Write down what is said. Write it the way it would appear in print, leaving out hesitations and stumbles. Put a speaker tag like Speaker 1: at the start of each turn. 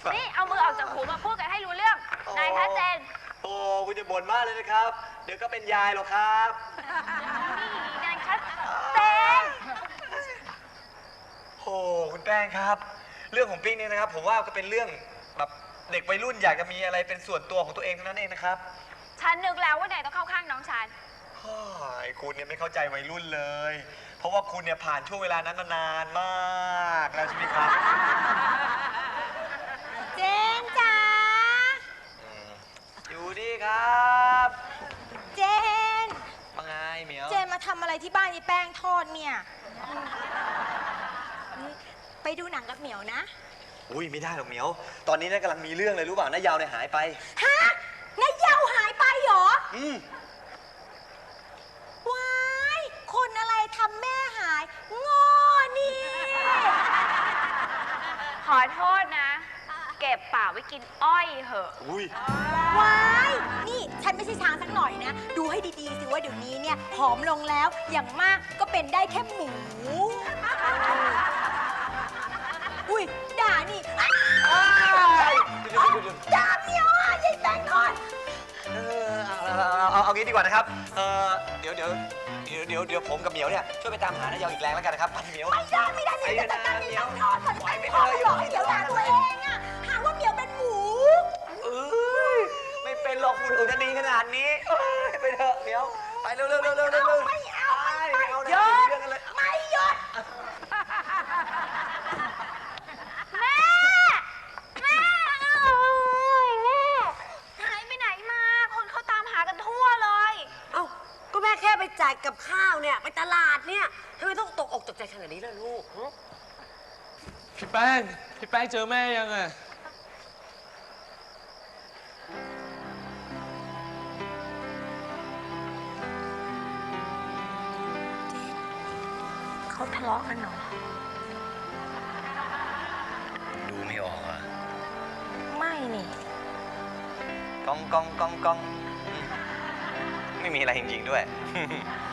Speaker 1: นี่เอามือออกจากหูมาพูดกันให้รู้เรื่องนายชัดเจน
Speaker 2: โอ้คุณจะบ่นมากเลยนะครับ เดี๋ยวก็เป็นยายหรอกครับ
Speaker 1: นี่นายชัดเจน
Speaker 2: โอ้คุณแป้งครับ เรื่องของปิ๊กเนี่ยนะครับ ผมว่าก็เป็นเรื่องแบบเด็กวัยรุ่นอยากจะมีอะไรเป็นส่วนตัวของตัวเองเท่านั้นเองนะครับ
Speaker 1: ฉันนึกแล้วว่านายต้องเข้าข้างน้องฉัน
Speaker 2: คุณเนี่ยไม่เข้าใจวัยรุ่นเลย เพราะว่าคุณเนี่ยผ่านช่วงเวลานั้นมานานมากแล้วใช่ไหมครับ
Speaker 3: เจนจ๋า
Speaker 2: อยู่ดีครับ
Speaker 3: เจน
Speaker 2: มาไงเหมียว
Speaker 3: เจนมาทำอะไรที่บ้านยายแป้งทอดเนี่ยไปดูหนังกับเหมียวนะ
Speaker 2: อุ้ยไม่ได้หรอกเหมียว ตอนนี้เนี่ยกำลังมีเรื่องเลยรู้เปล่าน้ายาวเนี่ยหายไป
Speaker 3: ฮะนายเยาหายไปเหรอ ว้ายคนอะไรทำแม่หายงอนี่
Speaker 1: ขอโทษนะ เก็บปากไว้กินอ้อยเหอะ
Speaker 2: อุ้ย
Speaker 3: ว้ายนี่ฉันไม่ใช่ช้างสักหน่อยนะ ดูให้ดีๆสิว่าเดี๋ยวนี้เนี่ยผอมลงแล้วอย่างมากก็เป็นได้แค่หมู อุ้ยด่านี่ด่าเหมียวอ่ะยายแป้งทอด
Speaker 2: เอางี้ดีกว่านะครับ เดี๋ยวผมกับเหมียวเนี่ยช่วยไปตามหาน้ายาวอีกแรงแล้วกันนะครับไปเหมียว
Speaker 3: ไม่ได้เหมียวจะจัดการยายแป้งทอดก่อนยายแป้งทอดหรอกให้เหมียวด่าตัวเองอ่ะหาว่าเหมียวเป็นหมู
Speaker 2: ไม่เป็นหรอกคุณอุตนีขนาดนี้ไปเถอะเหมียวไปเร็ว
Speaker 3: ไม่เอา
Speaker 2: เรื่องกันเลย
Speaker 3: ไม่หยุด
Speaker 1: แม่แม่หายไปไหนมา คนเขาตามหากันทั่วเลย
Speaker 4: เอ้าก็แม่แค่ไปจ่ายกับข้าวเนี่ยไปตลาดเนี่ยทำไมต้องตกอกตกใจขนาดนี้ล่ะลูก
Speaker 5: พี่แป้งเจอแม่ยังอะ
Speaker 3: เขาทะเลาะกันเหรอ
Speaker 2: ดูไม่ออกอ่ะ
Speaker 3: ไม่นี่
Speaker 2: กองไม่มีอะไรจริงๆด้วย